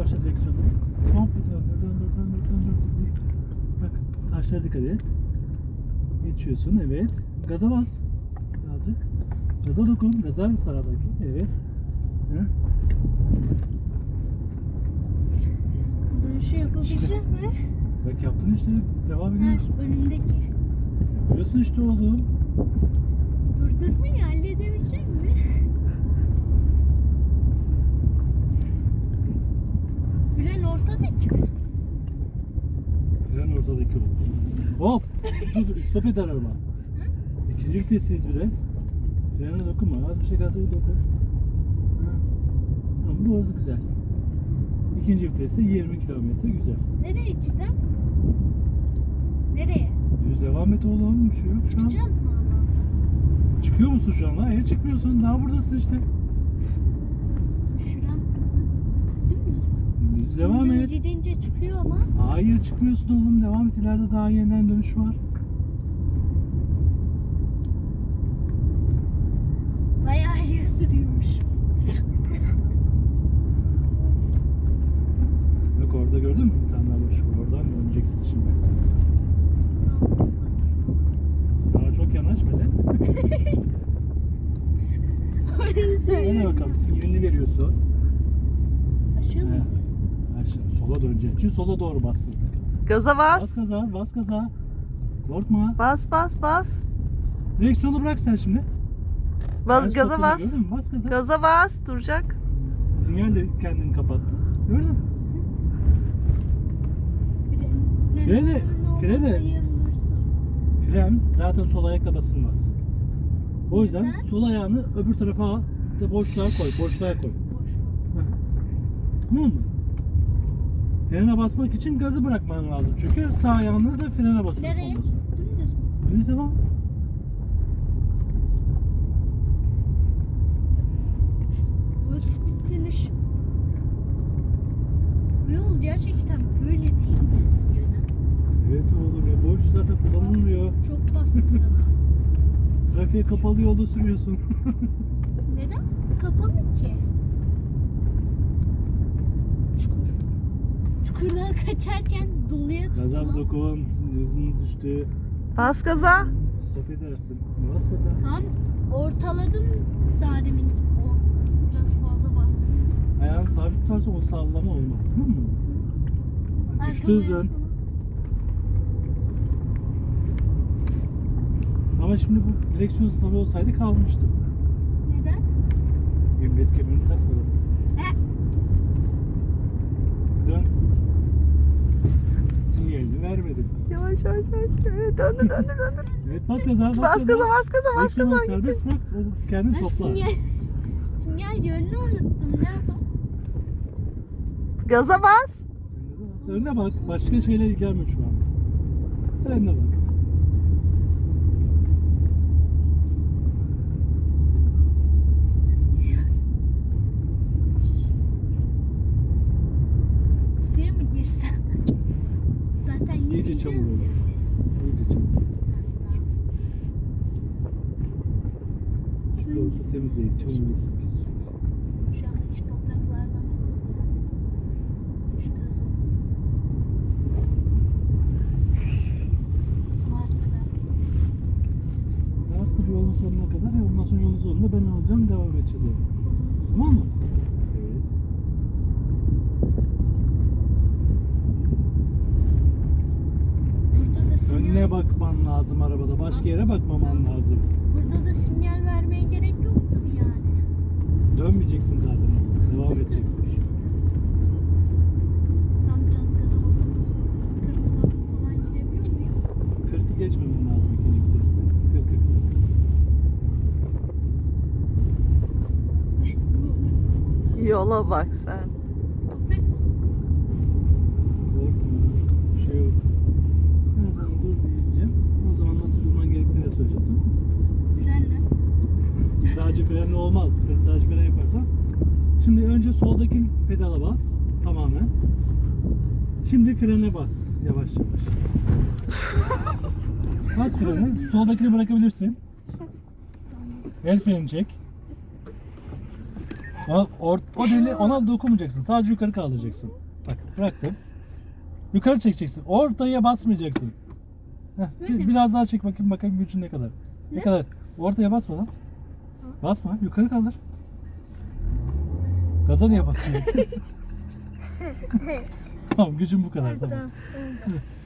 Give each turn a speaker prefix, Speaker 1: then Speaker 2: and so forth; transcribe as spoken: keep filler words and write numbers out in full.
Speaker 1: yavaşla direksiyonu. Komple döndür, döndür, döndür, döndür. Bak, taşlara dikkat et. Geçiyorsun, evet. Gaza bas. Birazcık. Gaza dokun, gaza sağdaki. Evet. Hı?
Speaker 2: Dönüşü yapabilecek mi?
Speaker 1: Bak yaptın işte, devam
Speaker 2: Ha,
Speaker 1: ediyoruz.
Speaker 2: önümdeki.
Speaker 1: Yapıyorsun işte oğlum.
Speaker 2: Durdurmayı halledebilecek mi? Fren ortadaki mi?
Speaker 1: Fren ortadaki olur. Hop! Dur dur, stop eder araba. İkinci vitesteyiz bir de. Frene dokunma, az bir şey gaza dokun. Ha. Tamam, burası güzel. İkinci viteste yirmi kilometre, güzel.
Speaker 2: Nereye gideceğim? Nereye?
Speaker 1: Düz devam et oğlum, bir şey yok şu an.
Speaker 2: Çıkacağız mı Allah'tan?
Speaker 1: Çıkıyor musun şu an? Hayır çıkmıyorsun, daha buradasın işte.
Speaker 2: Şuram hızı. Dümdüz.
Speaker 1: Düz devam
Speaker 2: Dümdüz
Speaker 1: et.
Speaker 2: gidince çıkıyor ama.
Speaker 1: Hayır çıkmıyorsun oğlum, devam et, ileride daha yeniden dönüş var.
Speaker 2: Bayağı iyi sürüyormuş.
Speaker 1: Bak orada gördün mü? Bir tane daha boş var. Oradan döneceksin şimdi. Sağa çok yanaşma lan.
Speaker 2: Orayı
Speaker 1: Hadi
Speaker 2: seviyorum.
Speaker 1: bakalım, sinyalini veriyorsun.
Speaker 2: Aşağı mı?
Speaker 1: He. Ha, şimdi sola döneceksin. Şimdi sola doğru bastın.
Speaker 3: Gaza
Speaker 1: Bas
Speaker 3: bas.
Speaker 1: gaza, bas gaza. Korkma.
Speaker 3: Bas bas bas.
Speaker 1: Direksiyonu bırak sen şimdi.
Speaker 3: Bas
Speaker 1: Ben
Speaker 3: gaza
Speaker 1: stopunu
Speaker 3: bas.
Speaker 1: Gördün mü? Bas gaza.
Speaker 3: Gaza bas. Duracak.
Speaker 1: Sinyal de kendini kapattı. Gördün mü? Frene- frene. Fren zaten sol ayakla basılmaz. O yüzden
Speaker 2: Neden?
Speaker 1: sol ayağını öbür tarafa al. De boşluğa koy, boşluğa koy. Hı. Tamam mı? Frene basmak için gazı bırakman lazım. Çünkü sağ ayağını da frene basıyorsun.
Speaker 2: Nereye?
Speaker 1: ondan sonra.
Speaker 2: Dümdüz mü?
Speaker 1: Düz devam.
Speaker 2: Bu split dönüş. Bu yol gerçekten böyle değil mi? Yönü.
Speaker 1: Evet oğlum ya, boş zaten kullanılmıyor.
Speaker 2: Çok bastı.
Speaker 1: Trafiğe kapalı yolda sürüyorsun.
Speaker 2: Neden? Kapalı ki. Çukur. Çukurdan kaçarken doluya
Speaker 1: Gaza
Speaker 2: tutulan-
Speaker 1: dokun, hızın düştü.
Speaker 3: Bas gaza.
Speaker 1: Stop edersin. Bas gaza.
Speaker 2: Tamam ortaladım daha demin. O biraz fazla bastım.
Speaker 1: Ayağını sabit tutarsa o sallama olmaz, tamam mı? Bak, düştü
Speaker 2: Arkama
Speaker 1: hızın.
Speaker 2: yaslanıp-
Speaker 1: Ama şimdi bu direksiyon sınavı olsaydı kalmıştı.
Speaker 2: Neden?
Speaker 1: Emniyet kemerini takmadı.
Speaker 2: He.
Speaker 1: Dön. Sinyalini vermedin.
Speaker 3: Yavaş yavaş yavaş. Evet, döndür döndür döndür.
Speaker 1: Evet, bas gaza, bas,
Speaker 3: Bas gaza bas gaza bas
Speaker 1: Direksiyonu
Speaker 3: gaza.
Speaker 1: serbest bırak, o kendini
Speaker 2: Ben
Speaker 1: topla.
Speaker 2: sinyal, sinyal yönünü unuttum. Ne yapalım?
Speaker 3: Gaza bas.
Speaker 1: Sen önüne bak, başka şeyle ilgilenme şu an. Sen önüne bak.
Speaker 2: Suya mı girsem? Zaten
Speaker 1: İyice
Speaker 2: yürüyeceğiz
Speaker 1: çamur
Speaker 2: ya.
Speaker 1: olur. İyice çamur. Doğrusu temizleyin, çamur olsun, pis su.
Speaker 2: Şu an hiç topraklardan düştü hızım. Smart'lar.
Speaker 1: Rahat dur yolun sonuna kadar, ya ondan sonra yolun sonunda ben alacağım, devam edeceğiz abi. Tamam mı? Evet.
Speaker 2: Burada da sinyal,
Speaker 1: Önüne bakman lazım arabada, başka yere bakmaman lazım.
Speaker 2: burada da sinyal vermeye gerek yoktur yani.
Speaker 1: Dönmeyeceksin zaten, devam edeceksin.
Speaker 2: Tam biraz gaza basıp kırkla falan gidebiliyor muyum?
Speaker 1: kırkı geçmemen lazım ikinci viteste. kırk kırk.
Speaker 3: Yola bak sen.
Speaker 2: Toprak mı?
Speaker 1: Korkma, bir şey yok. Ben sana dur diyeceğim, o zaman nasıl durman gerektiğini de söyleyeceğim, tamam mı?
Speaker 2: Frenle.
Speaker 1: Sadece frenle olmaz. Sadece fren yaparsan. Şimdi önce soldaki pedala bas. Tamamen. Şimdi frene bas. Yavaş yavaş. Bas freni. Soldakini bırakabilirsin. El freni çek. O, or, o deli ona dokunmayacaksın. Sadece yukarı kaldıracaksın. Bak bıraktım. Yukarı çekeceksin. Ortaya basmayacaksın. Heh, bir- biraz daha çek bakayım bakayım gücün ne kadar. Ne,
Speaker 2: Ne?
Speaker 1: kadar? Ortaya basma lan. Basma. Yukarı kaldır. Gaza niye basıyorsun? Tamam gücün bu kadar. Tamam.
Speaker 2: Tamam. Oldu.